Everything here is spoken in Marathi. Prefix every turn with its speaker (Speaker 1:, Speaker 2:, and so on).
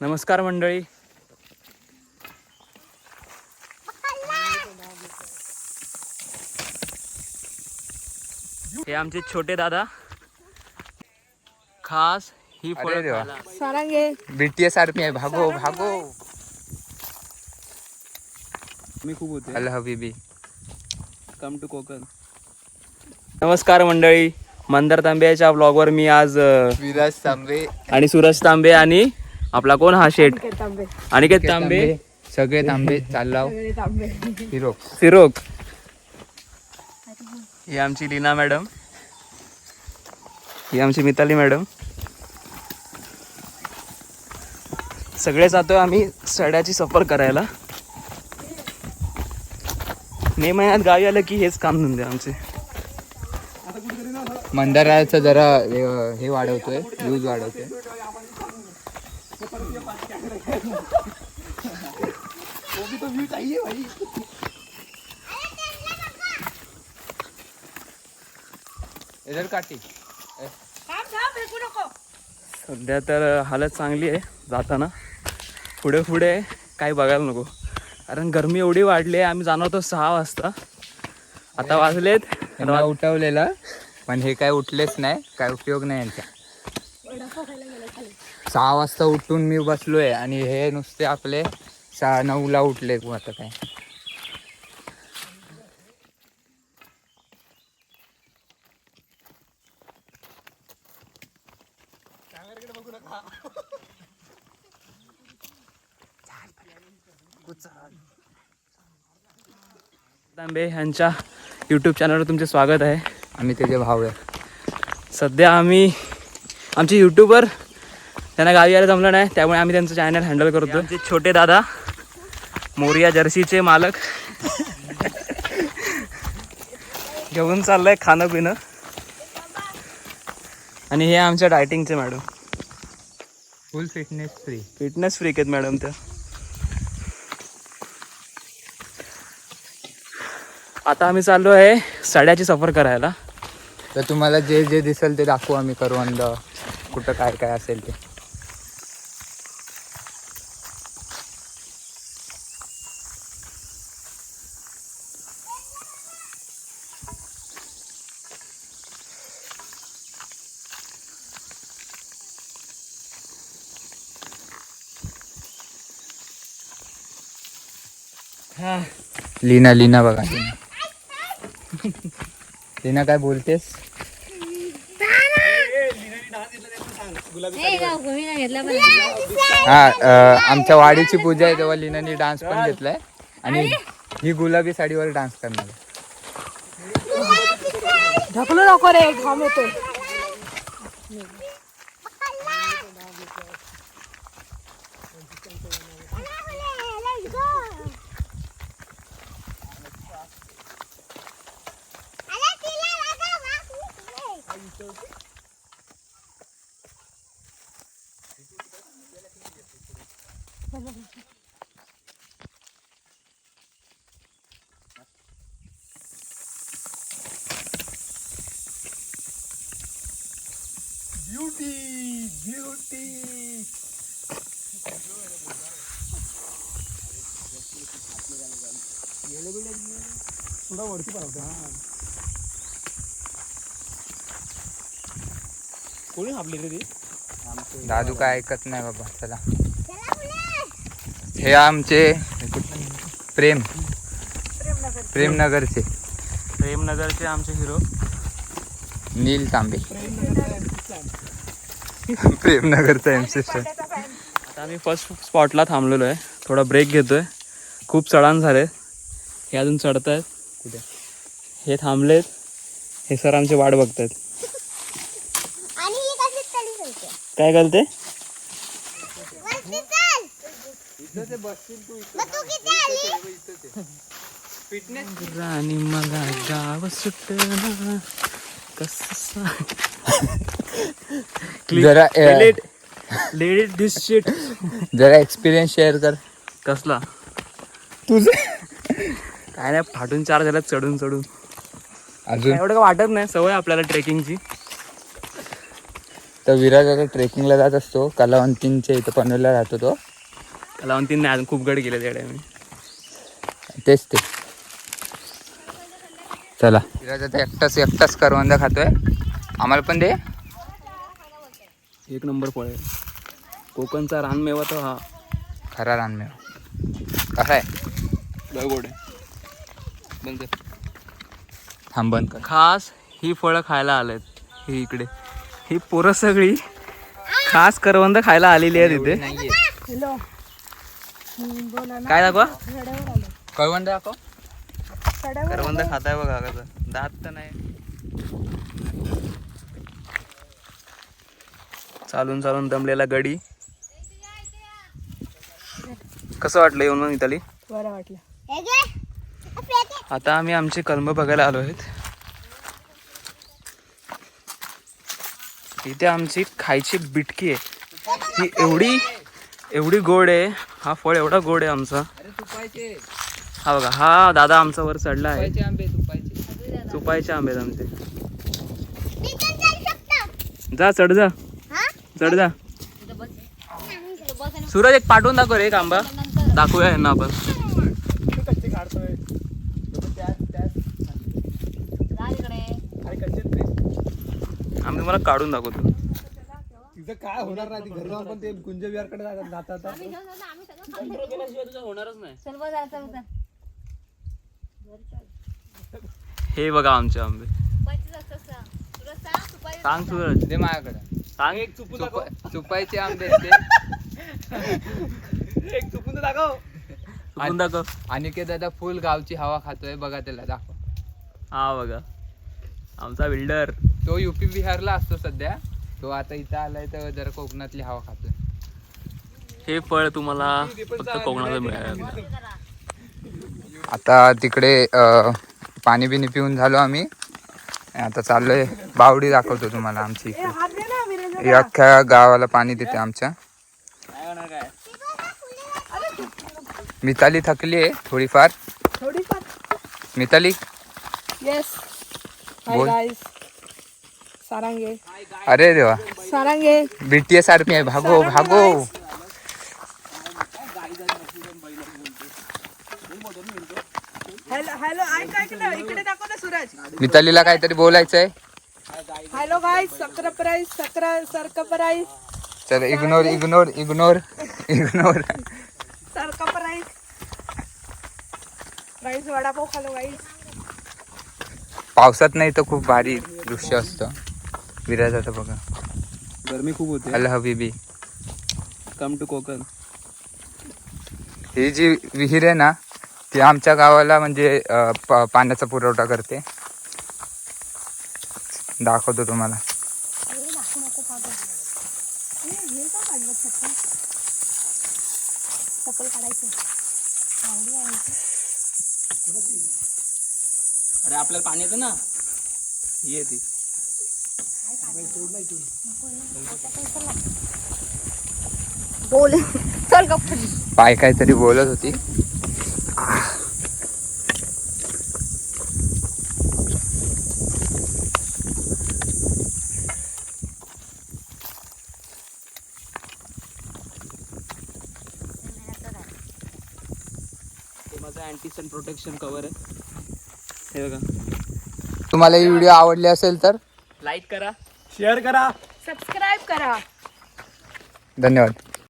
Speaker 1: नमस्कार मंडळी. हे आमचे छोटे दादा खास ही फळं खायला.
Speaker 2: सारंगे
Speaker 3: BTS आर्मी आहे. भागो भागो.
Speaker 1: मी खूप होते.
Speaker 3: अल हबीबी
Speaker 1: कम टू कोकण. नमस्कार मंडळी, मंदार तांब्याच्या ब्लॉगवर मी आज
Speaker 3: विराज तांबे
Speaker 1: आणि सूरज तांबे आणि आपला कोण हा शेठ अनिकेत तांबे
Speaker 3: सगळे तांबे चाललाव हिरो
Speaker 1: सिरोक. ही आमची लीना मॅडम, ही आमची मिताली मॅडम. सगळे जातोय आम्ही सड्याची सफर करायला. मे महिन्यात गावी आलं की हेच काम धंदे आमचे.
Speaker 3: मंदाराचं जरा हे वाढवतोय, व्ह्यूज वाढवतोय. इधर काठी.
Speaker 1: सध्या तर हालत चांगली आहे. जाताना पुढे पुढे काही बघायला नको, कारण गरमी एवढी वाढली आहे. आम्ही जाणार होतो 6 वाजता, आता वाजलेत.
Speaker 3: त्यांना उठवलेलं पण हे काय उठलेच नाही, काय उपयोग नाही यांचा. 6 वाजता उठून मी बसलोय आणि हे नुसते आपले 9ला उठले. आता काय
Speaker 1: तांबे यांच्या यूट्यूब चॅनलवर तुमचे स्वागत आहे.
Speaker 3: आम्ही त्याचे भाव आहे.
Speaker 1: सध्या आम्ही आमचे यूट्यूबर त्यांना गावी यायला जमलं नाही, त्यामुळे आम्ही त्यांचं चॅनल हँडल करतो. आमचे छोटे दादा मोरिया जर्सीचे मालक घेऊन चाललंय खाणं पिणं. आणि हे आमच्या डायटिंगचे madam,
Speaker 3: full fitness free.
Speaker 1: Fitness freak आहेत मॅडम त्या. आता आम्ही चाललो आहे सड्याची सफर करायला.
Speaker 3: तर तुम्हाला जे जे दिसेल ते दाखवू आम्ही. करवंद कुठं काय काय असेल ते. लीना बघा. लीना काय बोलतेस? हा, आमच्या वाडीची पूजा आहे तेव्हा लीनाने डान्स पण घेतलाय आणि ही गुलाबी साडीवर डान्स करणार.
Speaker 2: ढकलू नको रे, घाम येतोय.
Speaker 1: कोणी आपली रे ती?
Speaker 3: दादू काय ऐकत नाही बाबा. चला, हे आमचे प्रेमनगरचे
Speaker 1: आमचे हिरो
Speaker 3: नील तांबे. प्रेमनगरचा MC स्टार.
Speaker 1: आता आम्ही फर्स्ट स्पॉटला थांबलेलो आहे. थोडा ब्रेक घेतोय. खूप चढाण झाले. हे अजून चढत आहेत. कुठे हे थांबलेत. हे सर आमची वाट बघतायत. काय करते? राणी मला गाव सुटना कसं
Speaker 3: जरा
Speaker 1: लेडीज दिस शिट.
Speaker 3: जरा एक्सपिरियन्स शेअर कर.
Speaker 1: कसला
Speaker 3: तुझं?
Speaker 1: काय नाही, फाटून 4 झाल्यात चढून
Speaker 3: अजून
Speaker 1: एवढं काय वाटत नाही. सवय आपल्याला ट्रेकिंगची.
Speaker 3: तर विराज आता ट्रेकिंगला जात असतो. कलावंतींच्या इथं पनवेलला राहतो तो.
Speaker 1: कलावंतींनी अजून खूप गड गेले त्याकडे मी.
Speaker 3: तेच ते. चला विराज आता एकटाच करवंद खातोय. आम्हाला पण दे.
Speaker 1: एक नंबर फळ आहे. कोकणचा रानमेवा तो हा.
Speaker 3: खरा रानमेवा कसा आहे?
Speaker 1: लय गोड आहे. बंद कर.
Speaker 3: बंद कर.
Speaker 1: खास ही फळं खायला आलेत. ही इकडे ही पोरं सगळी खास करवंद खायला आलेली आहे तिथे.
Speaker 2: हॅलो बोला ना.
Speaker 1: काय दाखवा?
Speaker 2: सड्यावर आलो.
Speaker 3: करवंद दाखव.
Speaker 2: सड्यावर
Speaker 1: करवंद खाताय बघा कसं. दात तर नाही. चालून चालून दमलेला गडी. कसं वाटलं येऊन मग इथली?
Speaker 2: बरं वाटलं.
Speaker 1: आता आम्ही आमचे कलम बघायला आलो आहेत. इथे आमची खायची बिटकी आहे. ही एवढी गोड आहे. हा फळ एवढा गोड आहे आमचा. हा बघा हा दादा आमचा वर चढला आहे. चुपायचे आंबे आहेत आमचे. जा चढ जा. चढ जा. सूरज एक पाठवून दाखव रे एक आंबा. दाखवूया यांना आपण. आम्ही तुम्हाला काढून दाखवतो.
Speaker 4: काय होणार नाही घरी जाऊन पण ते गुंज विहारकडे जातात.
Speaker 1: होणारच नाही. हे बघा आमचे आंबे. सांग सूरज.
Speaker 3: दे माझ्याकडे.
Speaker 1: सांग एक
Speaker 3: चुपायचे आंबे आहेत ते.
Speaker 1: एक चुपून दाखव. चुपून दाखव.
Speaker 3: अनिकेत दादा फुल गावची हवा खातोय बघा त्याला दाखव.
Speaker 1: हा बघा आमचा बिल्डर.
Speaker 3: तो युपी बिहारला असतो सध्या. तो आता इथं आलाय तर जरा कोकणातली हवा खातोय.
Speaker 1: हे फळ तुम्हाला फक्त कोकणात मिळेल.
Speaker 3: आता तिकडे पाणी बिनी पिऊन झालो आम्ही. आता चाललोय बावडी दाखवतो तुम्हाला आमची.
Speaker 2: हात दे ना विराज.
Speaker 3: ही अख्ख्या गावाला पाणी देते आमच्या. मिताली थकली आहे थोडीफार. मिताली
Speaker 2: येस. हाय
Speaker 3: बोल.
Speaker 2: गाईस. सारंगे.
Speaker 3: अरे देवा
Speaker 2: सारंगे.
Speaker 3: BTS आर्मी आहे. भागो भागो.
Speaker 2: हॅलो ऐक ना इकडे दाखव ना सूरज.
Speaker 3: मितालीला काहीतरी बोलायचंय.
Speaker 2: Hello guys. सरकप्राईज.
Speaker 3: चल इग्नोर.
Speaker 2: सरकप्राईज. गाईस वडापाव खालो गाईस.
Speaker 3: पावसात नाही तर खूप भारी दृश्य असतं. विराजाचं बघा.
Speaker 1: गरमी खूप होते.
Speaker 3: अल हबीबी.
Speaker 1: Come to Konkan.
Speaker 3: ही जी विहीर आहे ना ती आमच्या गावाला म्हणजे पाण्याचा पुरवठा करते. दाखवतो तुम्हाला.
Speaker 1: अरे आपल्याला पाणी येतं ना. ये ती
Speaker 2: बोल. चल गप्प.
Speaker 3: पाय काहीतरी बोलत होती.
Speaker 1: हे माझं अँटी सन प्रोटेक्शन कवर आहे. हे बघा.
Speaker 3: तुम्हाला ही व्हिडिओ आवडली असेल तर
Speaker 1: लाईक करा.
Speaker 4: शेअर करा.
Speaker 2: सबस्क्राईब करा.
Speaker 3: धन्यवाद.